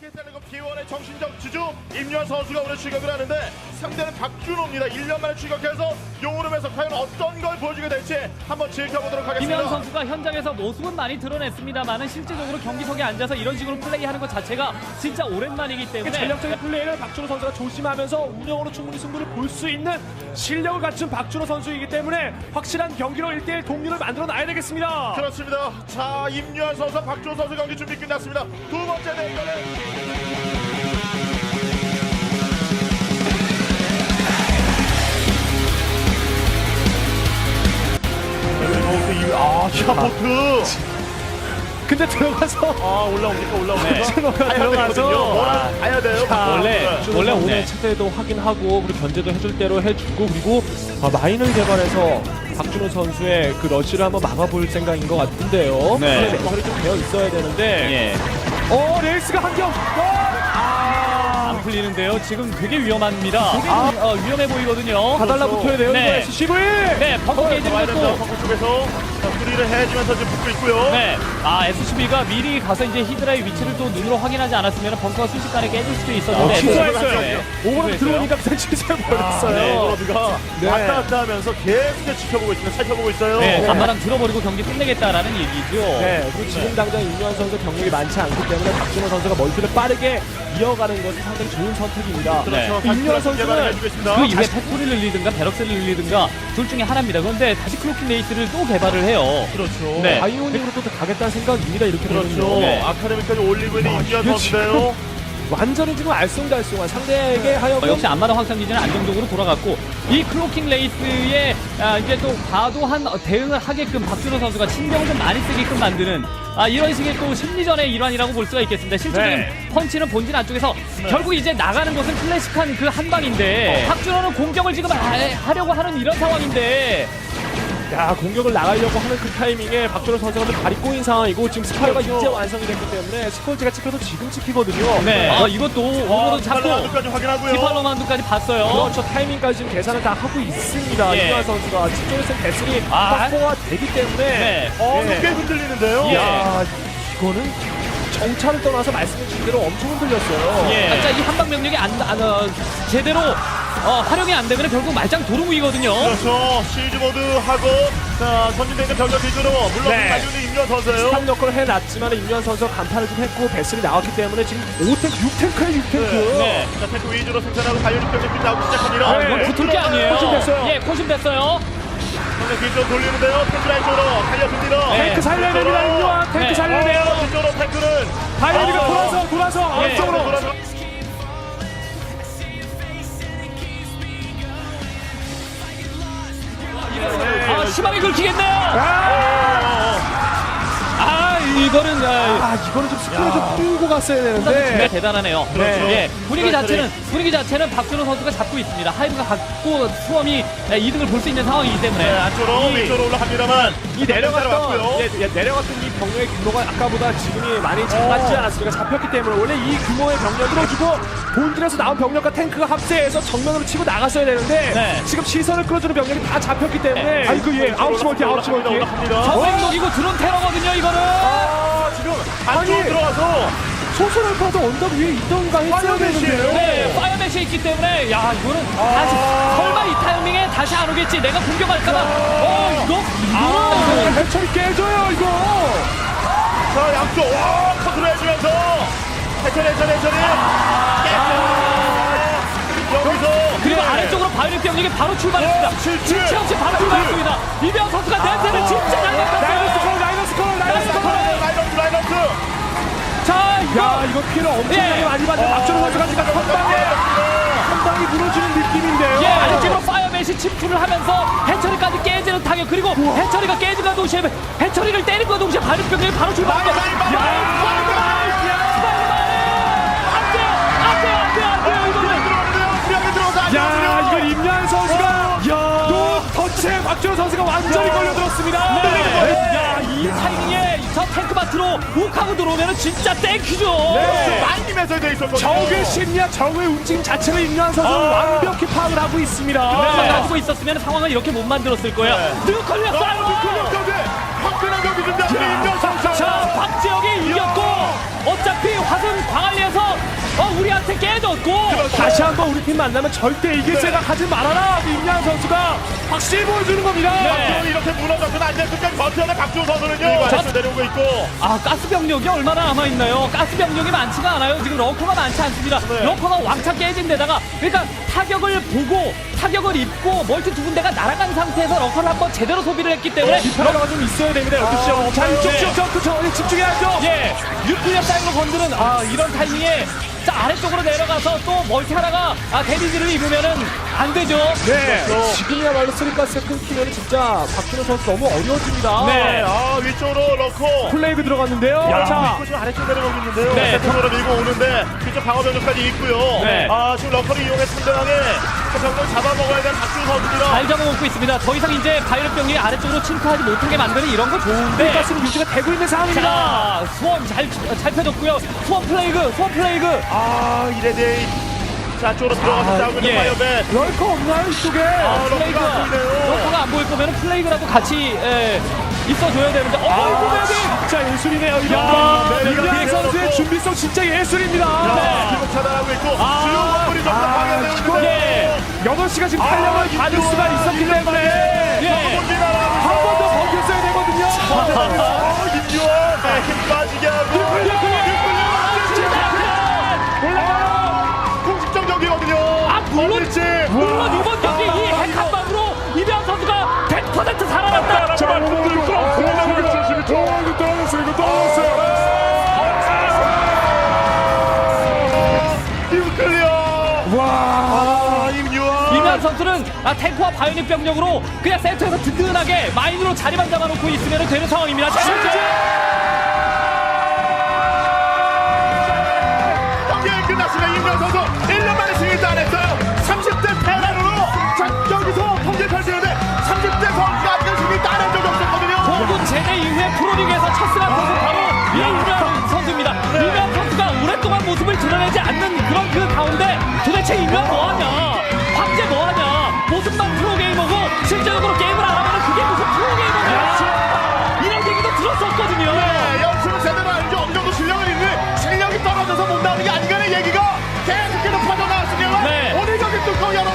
SK텔레콤 T1의 정신적 주주 임요한 선수가 오늘 출격을 하는데 상대는 박준호입니다. 1년 만에 출격해서 용오름에서 과연 어떤 걸 보여주게 될지 한번 지켜보도록 하겠습니다. 임요한 선수가 현장에서 모습은 많이 드러냈습니다만은 실제적으로 경기석에 앉아서 이런 식으로 플레이하는 것 자체가 진짜 오랜만이기 때문에 전략적인 플레이를 박준호 선수가 조심하면서 운영으로 충분히 승부를 볼 수 있는 실력을 갖춘 박준호 선수이기 때문에 확실한 경기로 1대1 동률을 만들어 놔야 되겠습니다. 그렇습니다. 자, 임요한 선수, 박준호 선수 경기 준비 끝났습니다. 두 번째 대결은 샤포트. 근데 들어가서 올라옵니까? 들어가서 가야 돼요. 원래 오늘 차대도 확인하고 그리고 견제도 해줄 대로 해주고 그리고 마인을 개발해서 박준호 선수의 그 러시를 한번 막아볼 생각인 것 같은데요. 네. 멘탈이 좀 되어 있어야 되는데. 예. 레이스가 한 경. 안 풀리는데요. 지금 되게 위험합니다. 되게 위험해 보이거든요. 다 달라붙어야 돼요. 네. SCV. 네, 벙커 게이지를 또 벙커 쪽에서 수리를 해주면서 지금 붙고 있고요. 네, SCB가 미리 가서 이제 히드라의 위치를 또 눈으로 확인하지 않았으면 벙커가 순식간에 깨질 수도 있었는데 취소했어요. 네. 오버로 들어오니까 그냥 취소해버렸어요. 로드가 네. 왔다 갔다 하면서 계속 지켜보고 있습니다. 살펴보고 있어요. 네, 간만랑 들어버리고 경기 끝내겠다라는 얘기죠. 네, 그리고 지금 당장 임요한 선수 경력이 많지 않기 때문에 박준호 선수가 멀티를 빠르게 이어가는 것이 상당히 좋은 선택입니다. 그렇죠. 네. 임요한 선수는 해주고 있습니다. 그 이후에 팩토리를 늘리든가 베럭스를 늘리든가 둘 중에 하나입니다. 그런데 다시 클로킹 레이스를 또 개발을 해요. 그렇죠. 네. 바이오닉으로 또 가겠다는 생각입니다. 이렇게 그렇죠. 되면요. 네. 아카데미까지 올리고 있는 임요한 이게 선수인데요. 완전히 지금 알쏭달쏭한 상대에게 하여금 역시 안마당 확장기지는 안정적으로 돌아갔고 이 클로킹 레이스에 이제 또 과도한 대응을 하게끔 박준호 선수가 신경을 좀 많이 쓰게끔 만드는 이런 식의 또 심리전의 일환이라고 볼 수가 있겠습니다. 실제적인 네. 펀치는 본진 안쪽에서 결국 이제 나가는 것은 클래식한 그 한 방인데 박준호는 공격을 지금 하려고 하는 이런 상황인데 공격을 나가려고 하는 그 타이밍에 박준호 선수가 발이 꼬인 상황이고 지금 스파이어가 그렇죠. 이제 완성이 됐기 때문에 스콜지가 찍혀도 지금 찍히거든요. 네. 이것도 오버로 잡고 까지 확인하고요. 디팔로만두까지 봤어요. 그렇죠. 타이밍까지 지금 계산을 다 하고 있습니다. 예. 임요한 선수가 뒤쪽에서 배슬이 아. 확보가 되기 때문에 네. 예. 꽤 흔들리는데요. 예. 야, 이거는 정찰을 떠나서 말씀해주신 대로 엄청 흔들렸어요. 예. 이 한방 명령이 제대로 활용이 안 되면 결국 말짱 도루묵이거든요. 그렇죠. 시즈 모드 하고 선진대는 병력 기준으로 물론 네. 달리는 임요한 선수예요. 스탑 역할을 해놨지만 임요한 선수가 간판을 좀 했고 배슬이 나왔기 때문에 지금 5탱크, 6탱크에 6탱크. 네. 자, 탱크 위주로 생산하고 바이오닉 병력들이 나오기 시작합니다. 이건 붙을 게 아니에요. 포심됐어요. 예, 포심됐어요. 병력 뒤쪽으로 돌리는데요. 탱크라인 쪽으로 달려듭니다. 네. 탱크 살려야 됩니다. 임요한 탱크 네. 살려야 돼요. 뒤쪽으로 탱크는 바이오닉가 돌아서 예. 안쪽으로. 돌아서 심하게 긁히겠네요. 이거는 이거는 좀 스크린을 좀 풀고 갔어야 정말 되는데. 대단하네요. 그렇죠. 예, 분위기 스트라이크를. 자체는 박준호 선수가 잡고 있습니다. 하이브가 갖고 수험이 이득을 볼 수 있는 상황이기 때문에. 네, 안쪽으로 위쪽으로 올라갑니다만 이 내려갔던 따라왔고요. 내려갔던 이 병력의 규모가 아까보다 지금이 많이 작아지지 않았습니까? 잡혔기 때문에 원래 이 규모의 병력을 주고 본진에서 나온 병력과 탱크가 합세해서 정면으로 치고 나갔어야 되는데 네. 지금 시선을 끌어주는 병력이 다 잡혔기 때문에 네. 아이고 예 9시 멀티 9시 멀티 올라갑니다. 전생 녹이고 드론 테러거든요, 이거는. 지금 안쪽으로 아니. 들어와서 소설을 파도 언덕 위에 있던가 했어야 되는데요. 네, 파이어맨이 있기 때문에 이거는 다시 설마 이 타이밍에 다시 안 오겠지. 내가 공격할까봐. 이거는 해철이 깨져요 이거. 자, 양쪽 컨트롤 해주면서 해처리 여기서 그리고 아래쪽으로 바이오닉 병력이 바로 출발했습니다. 질체 없이 바로 출발했습니다. 이병 선수가 냄새를 진짜 잘 맡았어요. 라이너스 자, 이거 피해를 엄청나게 예. 많이 받는 박준호 선수가 지금 한 방이 무너지는 느낌인데요. 예, 아래쪽으로 파이어맨이 침투를 하면서 해처리까지 깨지는 타격. 그리고 해처리가 깨지는 동시에 해처리를 때리는 동시에 바이오닉 병력이 바로 출발합니다. 야, 이거 임양 선수가 또 터치에 박준호 선수가 완전히 걸려들었습니다. 야, 이 타이밍에 저 탱크밭으로 훅 하고 들어오면 진짜 땡큐죠. 많이 매설되어 있었거든요. 적의 심리와 적의 움직임 자체를 임양 선수는 완벽히 파악을 하고 있습니다. 가지고 있었으면 상황을 이렇게 못 만들었을 거예요. 뉴클리어 사이버! 화끈한 경기 준비하는 임현 선수. 자, 박지혁이 이겼고 어차피 화성 광안리에서 레프리한테 깨졌고 다시 한번 우리 팀 만나면 절대 이길 생각하지 말아라. 임양 선수가 확실히 보여주는 겁니다. 박준호 이렇게 무너져서는 안 될 끝까지 버텨내 박준호 선수는요. 아래쪽 내려오고 있고. 아 가스 병력이 얼마나 남아 있나요? 가스 병력이 많지가 않아요. 지금 러커가 많지 않습니다. 네. 러커가 왕창 깨진 데다가 그러니까 타격을 보고 타격을 입고 멀티 두 군데가 날아간 상태에서 러커를 한번 제대로 소비를 했기 때문에 디파이어가 좀 있어야 됩니다. 12시. 자, 이쪽 지역 집중해야죠. 예, 뉴클리어 사이로 건드는 이런 타이밍에 자 아래쪽으로 내려가서 또 멀티 하나가 데미지를 입으면은 안 되죠. 네. 지금이야말로 쓰리가스가 끊기면 진짜 박준호 선수 너무 어려워집니다. 네. 위쪽으로 넣고. 플레이그 들어갔는데요. 자, 자, 지금 아래쪽 내려가고 있는데요. 네. 세트로 밀고 오는데 뒤쪽 방어 변력까지 있고요. 네. 지금 러커를 이용해 상대방의 병력 잡아먹어야 되는 박준호 선수입니다. 잘 잡아먹고 있습니다. 더 이상 이제 바이럿 병력이 아래쪽으로 침투하지 못하게 만드는 이런 거 좋은데. 쓰리가스는 유지가 되고 있는 상황입니다. 자, 수원 잘 펴졌고요. 수원 플레이그. 이레데이. 자, 쪽으로 들어가서 싸우고 있는 예. 파이어벳. 럴커 없나요, 이쪽에? 러커가 안 보이네요. 러커가 안 보일 거면 플레이그라도 같이 있어줘야 되는데. 어이구, 베비! 진짜 예술이네요. 이거. 네, 임양 네, 선수의 네. 준비성 진짜 예술입니다. 네. 기록 차단하고 있고 주요 원물이 전부 파괴되고 있는데. 8시가 지금 탄력을 받을 수가 있었기 때문에 예. 한 번 더 버텼어야 되거든요. 임요원 힘 빠지게 하고 올라가요. 공식적 경기거든요. 물론 어딜지. 물론 이번 경기 이 핵 한 방으로 이병 선수가 100% 살아났다. 제발 공들 끌어. 와. 임요원. 이병 선수는 탱크와 바이오닉 병력으로 그냥 센터에서 든든하게 마인으로 자리만 잡아놓고 있으면 되는 상황입니다. 경기 끝났습니다. 임요원 선수 1년 만에 승리 따냈어요. 30대 테란으로 여기서 통계 펼치는데 30대 선수가 아직은 승리 따낸 적이 없었거든요. 공군 제대 이후에 프로리그에서 첫 승한 선수 바로 이병 선수입니다. 이병 선수가 오랫동안 모습을 드러내지 않는 그런 그 가운데 도대체 이병 뭐하냐? 황제 뭐하냐? 모습만 프로게이머고 실제적으로 게임을 안 하면 그게 무슨 프로게이머냐? 이런 얘기도 들었었거든요. 네, 연습은 제대로 알죠. 어느 정도 실력은 있는데 실력이 떨어져서 못 나오는 게 아닌가라는 얘기가 계속해서 퍼져나왔습니다. 네. 오늘 경기 뚜껑 열어